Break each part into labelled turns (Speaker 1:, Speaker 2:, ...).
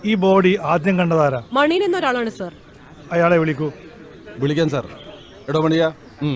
Speaker 1: ഈ ബോഡി ആദ്യം കണ്ടതാരാ?
Speaker 2: മണീൻ എന്നൊരാളാണ് സർ.
Speaker 1: അയാളെ വിളിക്കൂ.
Speaker 3: വിളിക്കാൻ സാർ. എടോ മണിയാ.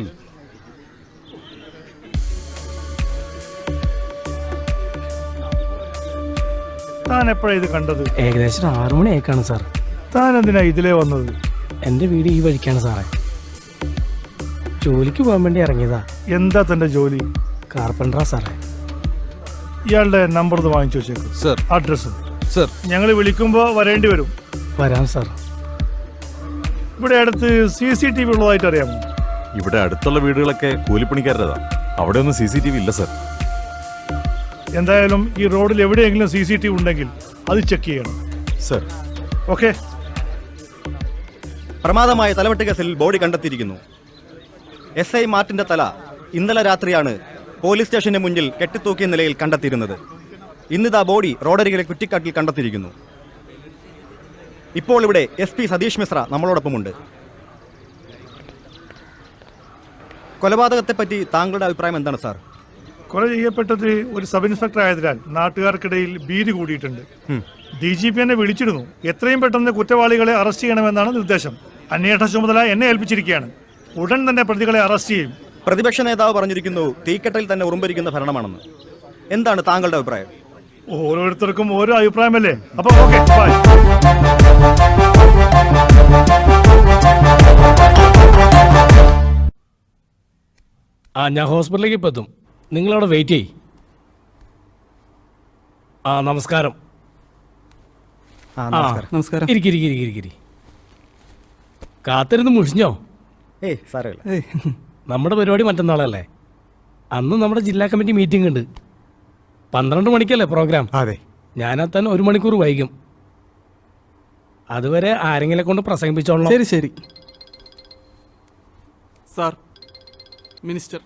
Speaker 1: താൻ എപ്പോഴാ ഇത് കണ്ടത്?
Speaker 4: ഏകദേശം 6 മണിയേക്കാണ് സാർ.
Speaker 1: താൻ എന്തിനാ ഇതിലേ വന്നത്?
Speaker 4: എൻ്റെ വീട് ഈ വഴിക്കാണ് സാറേ. ജോലിക്ക് പോകാൻ വേണ്ടി ഇറങ്ങിയതാ.
Speaker 1: എന്താ തന്റെ ജോലി?
Speaker 4: കാർപ്പൻറ്ററാ സാറേ.
Speaker 1: ഇയാളുടെ നമ്പർ ഒന്ന് വാങ്ങിച്ചു വെച്ചേക്കും.
Speaker 3: സർ.
Speaker 1: അഡ്രസ്സും.
Speaker 3: സർ.
Speaker 1: ഞങ്ങൾ വിളിക്കുമ്പോ വരേണ്ടി വരും.
Speaker 4: വരാം സാർ.
Speaker 1: ഇവിടെ അടുത്ത് CCTV ഉള്ളതായിട്ട് അറിയാമോ?
Speaker 5: ഇവിടെ അടുത്തുള്ള വീടുകളൊക്കെ കൂലിപ്പണിക്കാരുടേതാ. അവിടെ ഒന്നും CCTV ഇല്ല സർ.
Speaker 1: എന്തായാലും ഈ റോഡിൽ എവിടെയെങ്കിലും CCTV ഉണ്ടെങ്കിൽ അത് ചെക്ക് ചെയ്യണം
Speaker 5: സർ.
Speaker 1: ഓക്കെ.
Speaker 6: പ്രമാദമായ തലവെട്ട് കേസിൽ ബോഡി കണ്ടെത്തിയിരിക്കുന്നു. SI മാർട്ടിന്റെ തല ഇന്നലെ രാത്രിയാണ് പോലീസ് സ്റ്റേഷന് മുന്നിൽ കെട്ടിത്തൂക്കിയ നിലയിൽ കണ്ടെത്തിയിരുന്നത്. ഇന്നിതാ ബോഡി റോഡരികിലെ കുറ്റിക്കാട്ടിൽ കണ്ടെത്തിയിരിക്കുന്നു. ഇപ്പോൾ ഇവിടെ SP സതീഷ് മിശ്ര നമ്മളോടൊപ്പമുണ്ട്. കൊലപാതകത്തെപ്പറ്റി താങ്കളുടെ അഭിപ്രായം എന്താണ് സാർ?
Speaker 1: കൊല ചെയ്യപ്പെട്ടത് ഒരു സബ് ഇൻസ്പെക്ടർ ആയതിനാൽ നാട്ടുകാർക്കിടയിൽ ഭീതി കൂടിയിട്ടുണ്ട്. DGP എന്നെ വിളിച്ചിരുന്നു. എത്രയും പെട്ടെന്ന് കുറ്റവാളികളെ അറസ്റ്റ് ചെയ്യണമെന്നാണ് നിർദ്ദേശം. അന്വേഷണ ചുമതല എന്നെ ഏൽപ്പിച്ചിരിക്കുകയാണ്. ഉടൻ തന്നെ പ്രതികളെ അറസ്റ്റ് ചെയ്യും.
Speaker 6: പ്രതിപക്ഷ നേതാവ് പറഞ്ഞിരിക്കുന്നു തീക്കെട്ടൽ തന്നെ ഉറുമ്പരിക്കുന്ന ഭരണമാണെന്ന്. എന്താണ് താങ്കളുടെ അഭിപ്രായം?
Speaker 1: ഓരോരുത്തർക്കും ഓരോ അഭിപ്രായമല്ലേ. അപ്പൊ ഓക്കെ, ബൈ.
Speaker 4: ഞാൻ ഹോസ്പിറ്റലിലേക്ക് ഇപ്പം എത്തും. നിങ്ങളവിടെ വെയിറ്റ് ചെയ്യ്. നമസ്കാരം.
Speaker 6: നമസ്കാരം.
Speaker 4: ഇരിക്കിരിക്കിരിക്കിരിക്കിരി. കാത്തിരുന്ന് മുഷിഞ്ഞോ?
Speaker 6: സാരമില്ല.
Speaker 4: നമ്മുടെ പരിപാടി മറ്റന്നാളല്ലേ? അന്ന് നമ്മുടെ ജില്ലാ കമ്മിറ്റി മീറ്റിംഗ് ഉണ്ട്. 12 മണിക്കല്ലേ പ്രോഗ്രാം?
Speaker 5: അതെ.
Speaker 4: ഞാനെത്താൻ 1 മണിക്കൂർ വൈകും. അതുവരെ ആരെങ്കിലും കൊണ്ട് പ്രസംഗിപ്പിച്ചോളാം.
Speaker 7: ശരി ശരി സാർ. മിനിസ്റ്റർ.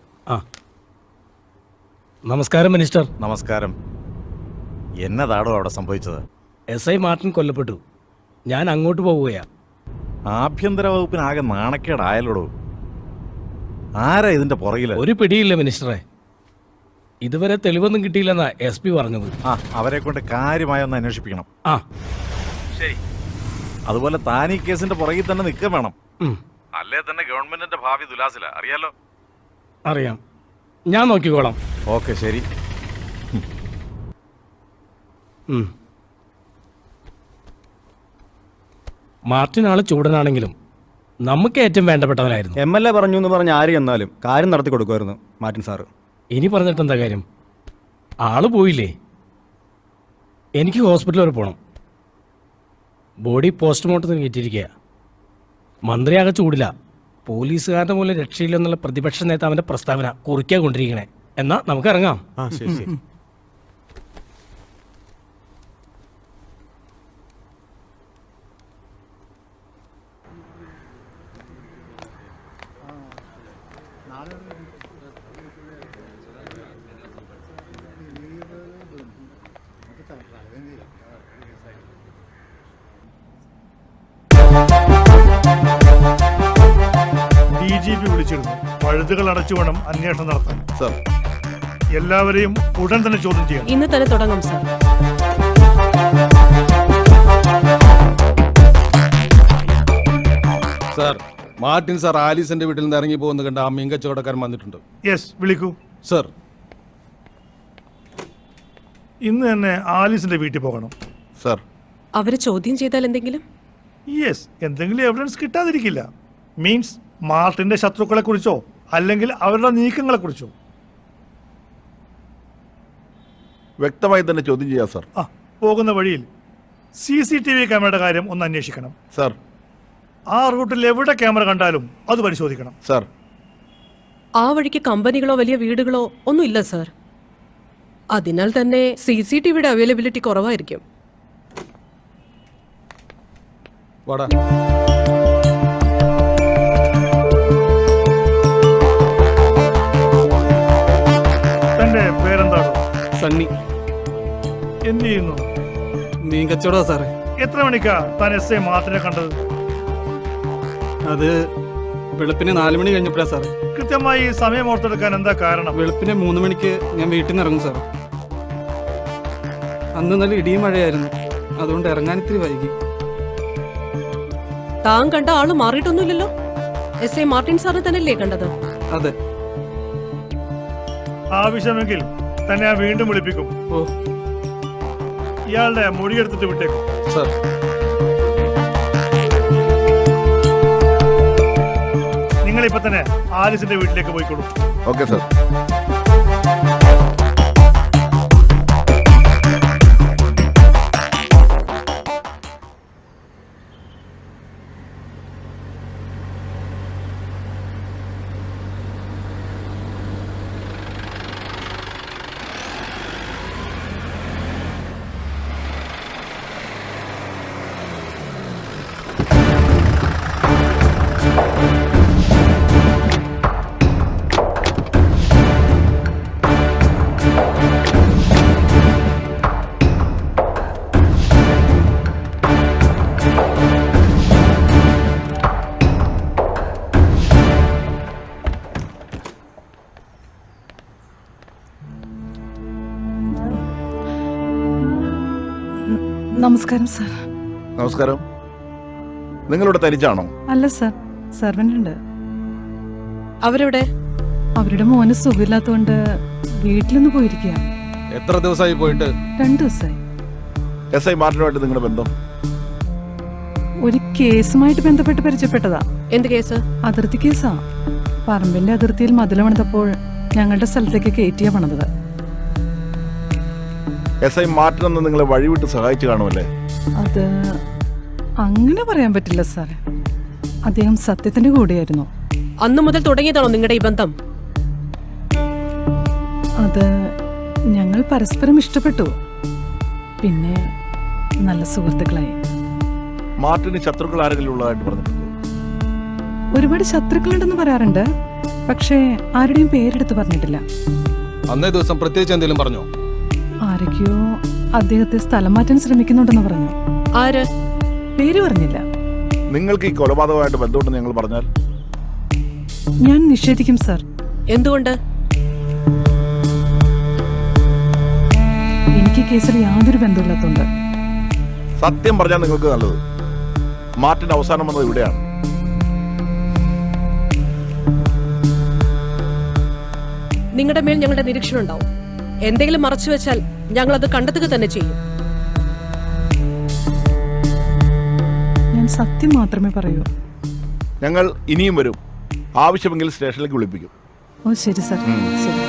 Speaker 4: നമസ്കാരം മിനിസ്റ്റർ.
Speaker 5: നമസ്കാരം. എന്നതാടോ അവിടെ സംഭവിച്ചത്?
Speaker 4: SI മാർട്ടിൻ കൊല്ലപ്പെട്ടു. ഞാൻ അങ്ങോട്ട് പോവുകയാ.
Speaker 5: ആഭ്യന്തര വകുപ്പിനാകെ നാണക്കേടായാലോടോ. ആരാ ഇതിന്റെ പുറകില്?
Speaker 4: ഒരു പിടിയില്ല മിനിസ്റ്ററെ. ഇതുവരെ തെളിവൊന്നും കിട്ടിയില്ലെന്നാ SP പറഞ്ഞത്.
Speaker 5: അവരെ കൊണ്ട് കാര്യമായൊന്ന് അന്വേഷിപ്പിക്കണം. ശരി. അതുപോലെ താൻ ഈ കേസിന്റെ പുറകിൽ തന്നെ നിൽക്കുക വേണം. അല്ലേ തന്നെ ഗവൺമെന്റിന്റെ ഭാവി ദുലാസില. അറിയാലോ?
Speaker 4: അറിയാം. ഞാൻ നോക്കിക്കോളാം.
Speaker 5: ഓക്കെ, ശരി.
Speaker 4: മാർട്ടിൻ ആള് ചൂടനാണെങ്കിലും നമുക്ക് ഏറ്റവും വേണ്ടപ്പെട്ടവനായിരുന്നു.
Speaker 6: MLA പറഞ്ഞു എന്ന് പറഞ്ഞ് ആര് എന്നാലും കാര്യം നടത്തി കൊടുക്കുമായിരുന്നു മാർട്ടിൻ സാറ്.
Speaker 4: ഇനി പറഞ്ഞിട്ട് എന്താ കാര്യം? ആള് പോയില്ലേ? എനിക്ക് ഹോസ്പിറ്റൽ വരെ പോകണം. ബോഡി പോസ്റ്റ്മോർട്ടത്തിന് കയറ്റിയിരിക്കുക. മന്ത്രിയാകെ ചൂടില്ല. പോലീസുകാരുടെ മൂലം രക്ഷയില്ലെന്നുള്ള പ്രതിപക്ഷ നേതാവിന്റെ പ്രസ്താവന കുറിക്കാൻ കൊണ്ടിരിക്കണേ. എന്നാ നമുക്ക് ഇറങ്ങാം.
Speaker 5: ശരി ശരി.
Speaker 1: DGP വിളിച്ചിരുന്നു. പഴുതുകൾ അടച്ചു വേണം അന്വേഷണം നടത്താൻ.
Speaker 5: സർ.
Speaker 1: എല്ലാവരെയും ഉടൻ തന്നെ ചോദ്യം ചെയ്യണം.
Speaker 2: ഇന്ന് തന്നെ തുടങ്ങാം സാർ.
Speaker 3: സാർ, മാർട്ടിൻ സാർ ആലീസിന്റെ വീട്ടിൽ നിന്ന് ഇറങ്ങി പോകുന്ന കണ്ട ആ മീൻ കച്ചവടക്കാരൻ വന്നിട്ടുണ്ട്.
Speaker 1: യെസ്, വിളിക്കൂ.
Speaker 3: സർ.
Speaker 1: ഇന്ന് തന്നെ ആലീസിന്റെ വീട്ടിൽ പോകണം.
Speaker 5: സർ.
Speaker 2: അവരെ ചോദ്യം ചെയ്താൽ എന്തെങ്കിലും?
Speaker 1: യെസ്, എന്തെങ്കിലും എവിഡൻസ് കിട്ടാതിരിക്കില്ല. മീൻസ് മാർട്ടിന്റെ ശത്രുക്കളെ കുറിച്ചോ അല്ലെങ്കിൽ അവരുടെ നീക്കങ്ങളെ കുറിച്ചോ
Speaker 5: വ്യക്തമായി തന്നെ ചോദ്യം ചെയ്യാം സർ.
Speaker 1: പോകുന്ന വഴിയിൽ CCTV ക്യാമറയുടെ കാര്യം ഒന്ന് അന്വേഷിക്കണം.
Speaker 5: സർ.
Speaker 1: ആ റൂട്ടിൽ എവിടെ ക്യാമറ കണ്ടാലും അത് പരിശോധിക്കണം.
Speaker 5: സർ.
Speaker 2: ആ വഴിക്ക് കമ്പനികളോ വലിയ വീടുകളോ ഒന്നും ഇല്ല സാർ. അതിനാൽ തന്നെ CCTVയുടെ അവൈലബിലിറ്റി കുറവായിരിക്കും.
Speaker 3: വാടാ.
Speaker 1: തന്റെ പേരെന്താണോ?
Speaker 7: സണ്ണി.
Speaker 1: എന്ത് ചെയ്യുന്നു?
Speaker 7: മീൻ കച്ചവടമാ സാറേ.
Speaker 1: എത്ര മണിക്കാ താൻ SI മാർട്ടിനെ കണ്ടത്?
Speaker 7: അത് വെളുപ്പിന് 4 മണി കഴിഞ്ഞപ്പോഴാ സാറേ.
Speaker 1: കൃത്യമായി സമയം ഓർത്തെടുക്കാൻ എന്താ കാരണം?
Speaker 7: വെളുപ്പിന് 3 മണിക്ക് ഞാൻ വീട്ടിൽ നിന്ന് ഇറങ്ങും സാർ. അന്ന് നല്ല ഇടിയും മഴയായിരുന്നു. അതുകൊണ്ട് ഇറങ്ങാൻ ഇത്തിരി വൈകി.
Speaker 2: താൻ കണ്ട ആള് മാറിയിട്ടൊന്നുമില്ലല്ലോ. SI മാർട്ടിൻ സാറിനെ തന്നെയല്ലേ കണ്ടത്?
Speaker 7: അതെ.
Speaker 1: ആവശ്യമെങ്കിൽ തന്നെ ഞാൻ വീണ്ടും വിളിപ്പിക്കും.
Speaker 7: ഓ
Speaker 1: ഇയാളുടെ മൊഴിയെടുത്തിട്ട് വിട്ടേക്കും.
Speaker 3: സർ.
Speaker 1: നിങ്ങൾ ഇപ്പൊ തന്നെ ആലിസിന്റെ വീട്ടിലേക്ക് പോയിക്കോളൂ.
Speaker 5: Okay sir.
Speaker 8: നമസ്കാരം സാർ.
Speaker 5: നമസ്കാരം. നിങ്ങളിവിടെ തനിച്ചാണോ?
Speaker 8: അല്ല സാർ, സെർവൻ്റ് ഉണ്ട്.
Speaker 2: അവരെവിടെ?
Speaker 8: അവരുടെ മോന് സുഖമില്ലാത്തതുകൊണ്ട് വീട്ടിലൊന്ന് പോയിരിക്കുക.
Speaker 3: എത്ര ദിവസമായി പോയിട്ട്?
Speaker 8: 2 ദിവസമായി.
Speaker 5: SI മാർട്ടിനുമായിട്ട് നിങ്ങളുടെ ബന്ധം?
Speaker 8: ഒരു കേസുമായിട്ട് ബന്ധപ്പെട്ട് പരിചയപ്പെട്ടതാ.
Speaker 2: എന്ത് കേസ്?
Speaker 8: അതിർത്തി കേസാ. പറമ്പിന്റെ അതിർത്തിയിൽ മതിൽ പണിതപ്പോൾ ഞങ്ങളുടെ സ്ഥലത്തേക്ക് കയറ്റിയാ പണിതത്.
Speaker 5: SI മാർട്ടിൻ എന്ന് നിങ്ങളെ വഴിവിട്ട് സഹായിച്ചു കാണുമല്ലേ?
Speaker 8: അത് അങ്ങനെ പറയാൻ പറ്റില്ല സാറേ. അദ്ദേഹം സത്യത്തിന്റെ കൂടെയായിരുന്നു.
Speaker 2: അന്നു മുതൽ തുടങ്ങിയതാണോ നിങ്ങളുടെ ഈ ബന്ധം?
Speaker 8: അത് ഞങ്ങൾ പരസ്പരം ഇഷ്ടപ്പെട്ടു. പിന്നെ നല്ല സുഹൃത്തുക്കളായി.
Speaker 5: മാർട്ടിന് ശത്രുക്കൾ ആരെങ്കിലും ഉള്ളതായിട്ട് പറഞ്ഞിട്ടുണ്ടോ?
Speaker 8: ഒരുപാട് ശത്രുക്കളുണ്ടെന്ന് പറയാറുണ്ട്, പക്ഷേ ആരുടെയും പേരെടുത്ത് പറഞ്ഞിട്ടില്ല.
Speaker 3: അന്നേ ദിവസം പ്രത്യേകിച്ച് എന്തെങ്കിലും പറഞ്ഞോ?
Speaker 8: ആരൊക്കെയോ അദ്ദേഹത്തെ സ്ഥലം മാറ്റാൻ ശ്രമിക്കുന്നുണ്ടെന്ന് പറഞ്ഞു.
Speaker 2: ആര്?
Speaker 8: പേര് പറഞ്ഞില്ല.
Speaker 5: നിങ്ങൾക്ക് ഈ കൊലപാതകമായിട്ട് ബന്ധമുണ്ടെന്ന് ഞങ്ങൾ പറഞ്ഞാൽ?
Speaker 8: ഞാൻ നിഷേധിക്കും സാർ.
Speaker 2: എന്തുകൊണ്ട്?
Speaker 8: എനിക്ക് കേസിൽ യാതൊരു ബന്ധമില്ലാത്തതുകൊണ്ട്.
Speaker 5: സത്യം പറഞ്ഞാൽ നിങ്ങൾക്ക് നല്ലത്. മാർട്ടിൻ അവസാനം വന്നത് ഇവിടെയാണ്.
Speaker 2: നിങ്ങളുടെ മേൽ ഞങ്ങളുടെ നിരീക്ഷണം ഉണ്ടാവും. എന്തെങ്കിലും മറച്ചു വെച്ചാൽ ഞങ്ങൾ അത് കണ്ടെത്തുക തന്നെ ചെയ്യും.
Speaker 8: ഞാൻ സത്യം മാത്രമേ പറയൂ.
Speaker 5: ഞങ്ങൾ ഇനിയും വരും. ആവശ്യമെങ്കിൽ സ്റ്റേഷനിലേക്ക് വിളിപ്പിക്കും.
Speaker 8: ഓ ശരി സാർ, ശരി.